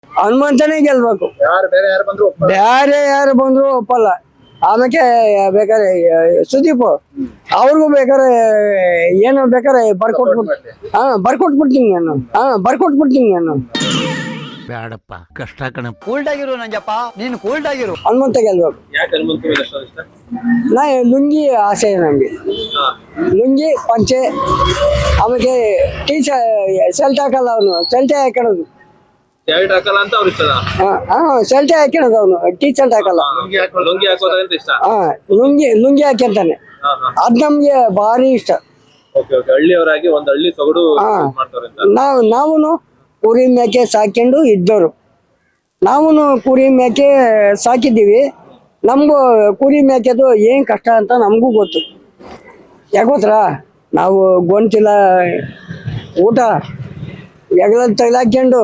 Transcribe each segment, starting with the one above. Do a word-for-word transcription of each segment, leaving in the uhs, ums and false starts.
ಹನುಮಂತನೇ ಗೆಲ್ಬೇಕು. ಯಾರು ಬೇರೆ ಯಾರು ಬಂದ್ರು ಒಪ್ಪಲ್ಲ. ಬೇರೆ ಯಾರು ಬಂದ್ರು ಒಪ್ಪಲ್ಲ. ಆಮೇಲೆ ಬೇಕಾದ್ರೆ ಸುದೀಪ್ ಅವ್ರಿಗೂ ಬೇಕಾದ್ರೆ ಏನು ಬೇಕಾದ್ರೆ ಬರ್ಕೊಟ್ಬಿಟ್ಟು ಹಾ ಬರ್ಕೊಟ್ಬಿಡ್ತೀನಿ ನಾನು ಹಾ ಬರ್ಕೊಟ್ಬಿಡ್ತೀನಿ ನಾನು. ಬೇಡಪ್ಪ ಕಷ್ಟ ಕಣ. ಕೂಲ್ಡ್ ಆಗಿರು ನಂಜಪ್ಪ, ನೀನು ಕೂಲ್ಡ್ ಆಗಿರು. ಹನುಮಂತ ಗೆಲ್ಬೇಕು. ಯಾಕೆ ಹನುಮಂತ ಮೇಲೆ ಅಷ್ಟು ಇಷ್ಟ? ನಾ ಲುಂಗಿ ಆಸೆ ನಮ್ಗೆ, ಲುಂಗಿ ಪಂಚೆ ಆಮೇಲೆ ಟೀ ಶರ್ಟ್ ಹಾಕಲ್ಲ ಅವನು, ಶರ್ಟೇ ಹಾಕೊಳ್ಳೋದು. ಶರ್ಟ್ ಹಾಕಲ್ಲ ಅಂತ ಅವ್ರು ಇಷ್ಟ. ಹಾ ಶರ್ಟೇ ಹಾಕೊಳ್ಳೋದು ಅವನು, ಟೀ ಶರ್ಟ್ ಹಾಕಲ್ಲ. ಲುಂಗಿ ಹಾಕೋ ಲುಂಗಿ ಹಾಕೋದಂತ ಇಷ್ಟ. ಹಾ ಲುಂಗಿ ಲುಂಗಿ ಹಾಕ್ಯಂತಾನೆ, ಅದ್ ನಮ್ಗೆ ಭಾರಿ ಇಷ್ಟ. Okay okay. ಹಳ್ಳಿಯವರಾಗಿ ಒಂದ್ ಹಳ್ಳಿ ಸೊಗಡು ಮಾಡ್ತಾರೆ ಅಂತ. ನಾವು ನಾವು ಕುರಿ ಮೇಕೆ ಸಾಕೊಂಡು ಇದ್ದವರು, ನಾವು ಕುರಿ ಮೇಕೆ ಸಾಕಿದ್ದೀವಿ. ನಮಗೂ ಕುರಿ ಮೇಕೆದು ಏನು ಕಷ್ಟ ಅಂತ ನಮಗೂ ಗೊತ್ತು. ಯಾಕೆ ಗೊತ್ತಾ, ನಾವು ಗೊಂತಿಲ್ಲ ಊಟ ಎಗಲ ತಗ್ಲಾಕೊಂಡು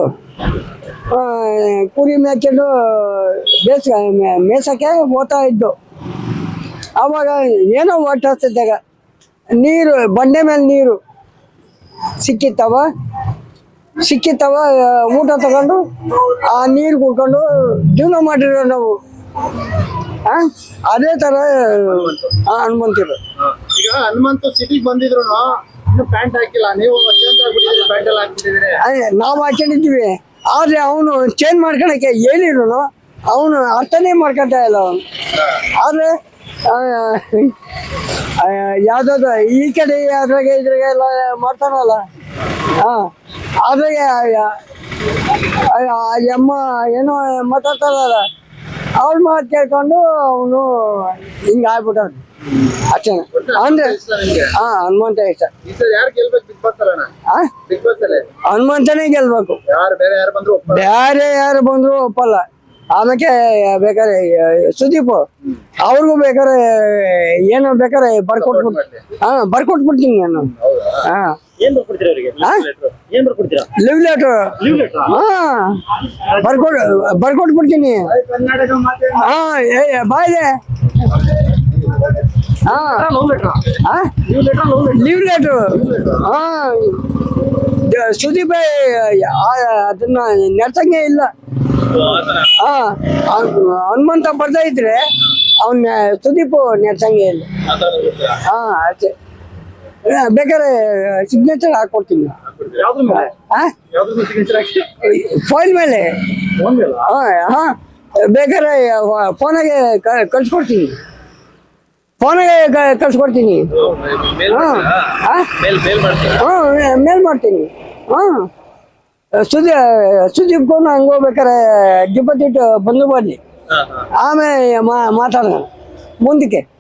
ಕುರಿ ಮೇಕೊಂಡು ಬೇಸ್ ಮೇಸಕ್ಕೆ ಹೋಗ್ತಾ ಇದ್ದು. ಆವಾಗ ಏನೋ ಹೊಟ್ಟೆ ಹಸ್ತಿದ್ದಾಗ ನೀರು ಬಂಡೆ ಮೇಲೆ ನೀರು ಸಿಕ್ಕಿತ್ತವ ಸಿಕ್ಕಿತ್ತವ ಊಟ ತಗೊಂಡು ಆ ನೀರು ಕುಡ್ಕೊಂಡು ಜೀವನ ಮಾಡಿರೋ ನಾವು. ಆ ಅದೇ ತರ ಹನುಮಂತಿರು. ಈಗ ಹನುಮಂತ ಸಿಟಿಗೆ ಬಂದಿದ್ರು ಇನ್ನು ಪ್ಯಾಂಟ್ ಹಾಕಿಲ್ಲ, ನೀವು ಚೇಂಜ್ ಆಗ್ಬಿಟ್ಟಿದ್ರಿ, ಪ್ಯಾಂಟ್ ಎಲ್ಲ ಹಾಕ್ಬಿಟ್ಟಿದ್ರಿ. ನಾವು ಹಾಕೊಂಡಿದ್ದೀವಿ, ಆದ್ರೆ ಅವನು ಚೇಂಜ್ ಮಾಡ್ಕೊಳಕ್ಕೆ ಹೇಳಿದ್ರು ಅವನು ಅರ್ಥನೇ ಮಾಡ್ಕೊತಾ ಇಲ್ಲ ಅವನು. ಆದ್ರೆ ಯಾವ್ದಾದ್ರು ಈ ಕಡೆ ಅದ್ರಾಗೆ ಇದ್ರಾಗೆ ಎಲ್ಲ ಮಾಡ್ತಾನಲ್ಲ. ಹಾ ಅದ್ರಾಗೆ ಅಮ್ಮ ಏನೋ ಮಾತಾಡ್ತಾರಲ್ಲ, ಅವ್ರ ಮಾತು ಕೇಳ್ಕೊಂಡು ಅವನು ಹಿಂಗ ಆಗ್ಬಿಟ್ಟವನು ಅಷ್ಟೇ. ಅಂದ್ರೆ ಹಾ ಹನುಮಂತ ಇಷ್ಟ. ಈ ಸಲ ಯಾರು ಗೆಲ್ಬೇಕು ಬಿಗ್ ಬಾಸ್ ಅಲ್ಲ? ಆ ಬಿಗ್ ಬಾಸ್ ಅಲ್ಲೇ ಹನುಮಂತನೇ ಗೆಲ್ಬೇಕು. ಯಾರು ಬೇರೆ ಯಾರು ಬಂದ್ರು ಒಪ್ಪಲ್ಲ. ಬೇರೆ ಯಾರು ಬಂದ್ರು ಒಪ್ಪಲ್ಲ. ಆಮೇಲೆ ಬೇಕಾದ್ರೆ ಸುದೀಪ್ ಅವ್ರಿಗೂ ಬೇಕಾದ್ರೆ ಏನು ಬೇಕಾದ್ರೆ ಬರ್ಕೊಟ್ಬಿಟ್ಟು ಹಾ ಬರ್ಕೊಟ್ಬಿಡ್ತೀನಿ ನಾನು. ಹಾ ಏನ್ ಬರ್ಕೊಡ್ತೀರಾ ಅವರಿಗೆ? ಏನ್ ಬರ್ಕೊಡ್ತೀರಾ? Live letter. ಹಾ ಬರ್ಕೊಟ್ ಬರ್ಕೊಟ್ಬಿಡ್ತೀನಿ. ಹಾ ಬಾಯ್ದೆ ಹಾ ಲೀವ್ ಲೆಟರ್. ಹಾ ಸುದೀಪ್ ಅದನ್ನ ನೆಡ್ಸಂಗೆ ಇಲ್ಲ. ಹಾ ಹನುಮಂತ ಬರ್ತಾ ಇದ್ರೆ ಅವನ್ ಸುದೀಪ್ ನೆಡ್ಸಂಗೆ ಇಲ್ಲ. ಹಾ ಅಷ್ಟೇ. ಬೇಕಾದ್ರೆ ಸಿಗ್ನೇಚರ್ ಹಾಕೊಡ್ತೀನಿ ಫೈಲ್ ಮೇಲೆ. ಹಾ ಹಾ ಬೇಕಾದ್ರೆ ಫೋನಾಗೆ ಕಳ್ಸ್ಕೊಡ್ತೀನಿ, ಫೋನಾಗೆ ಕಳ್ಸ್ಕೊಡ್ತೀನಿ. ಹಾ ಮೇಲ್ ಮಾಡ್ತೀನಿ. ಹಾ ಸುದೀ ಸುದೀಪ್ಗೂ ಹಂಗೆ ಹೋಗ್ಬೇಕಾರೆ ಡಿಪಾಸಿಟ್ ಬಂದು ಬರಲಿ, ಆಮೇಲೆ ಮಾತಾಡೋಣ ಮುಂದಕ್ಕೆ.